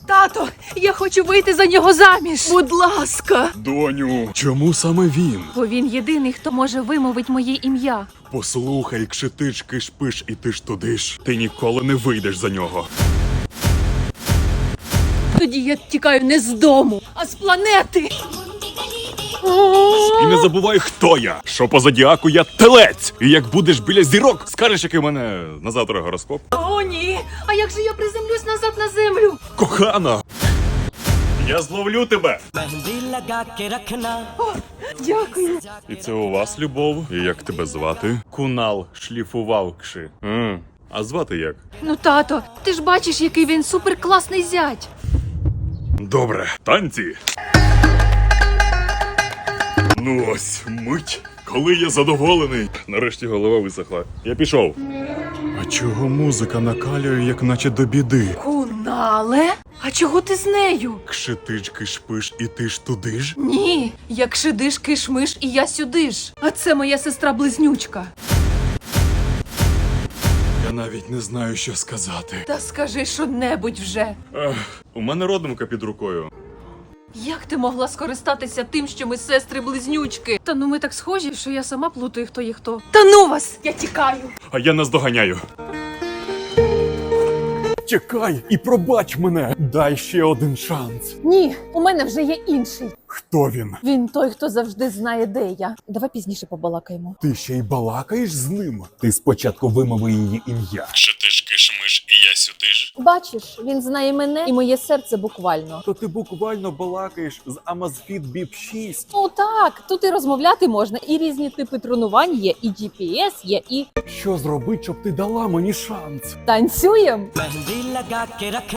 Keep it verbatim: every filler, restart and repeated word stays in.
Тато, я хочу вийти за нього заміж. Будь ласка. Доню, чому саме він? Бо він єдиний, хто може вимовити моє ім'я. Послухай, кшитиш, кишпиш і ти ж туди ж. Ти ніколи не вийдеш за нього. Тоді я тікаю не з дому, а з планети. І не забувай, хто я. Що по зодіаку я телець. І як будеш біля зірок, скажеш, який у мене на завтра гороскоп. О, ні. А як же я приземлюсь назад на землю? Кохана! Я зловлю тебе! О, дякую. І це у вас любов? І як тебе звати? Кунал шліфував кши. М. А звати як? Ну, тато, ти ж бачиш, який він суперкласний зять. Добре, танці. Ну ось, мить, коли я задоволений. Нарешті голова висохла. Я пішов. А чого музика накалює, як наче до біди? Кунале? А чого ти з нею? Кшитиш, кишпиш і ти ж туди ж? Ні, як шидиш, кишмиш, і я сюди ж. А це моя сестра-близнючка. Я навіть не знаю, що сказати. Та скажи що-небудь вже. Ех, у мене родимка під рукою. Як ти могла скористатися тим, що ми сестри-близнючки? Та ну ми так схожі, що я сама плутаю, хто є хто. Та ну вас! Я тікаю! А я наздоганяю. Чекай і пробач мене. Дай ще один шанс. Ні, у мене вже є інший. Хто він? Він той, хто завжди знає, де я. Давай пізніше побалакаємо. Ти ще й балакаєш з ним? Ти спочатку вимови її ім'я. Кшитиш, кишмиш і я сюди ж. Бачиш, він знає мене і моє серце буквально. То ти буквально балакаєш з Amazfit Bip шість. Ну так, тут і розмовляти можна, і різні типи тренувань є, і джі пі ес є, і Що зробить, щоб ти дала мені шанс? танцюєм.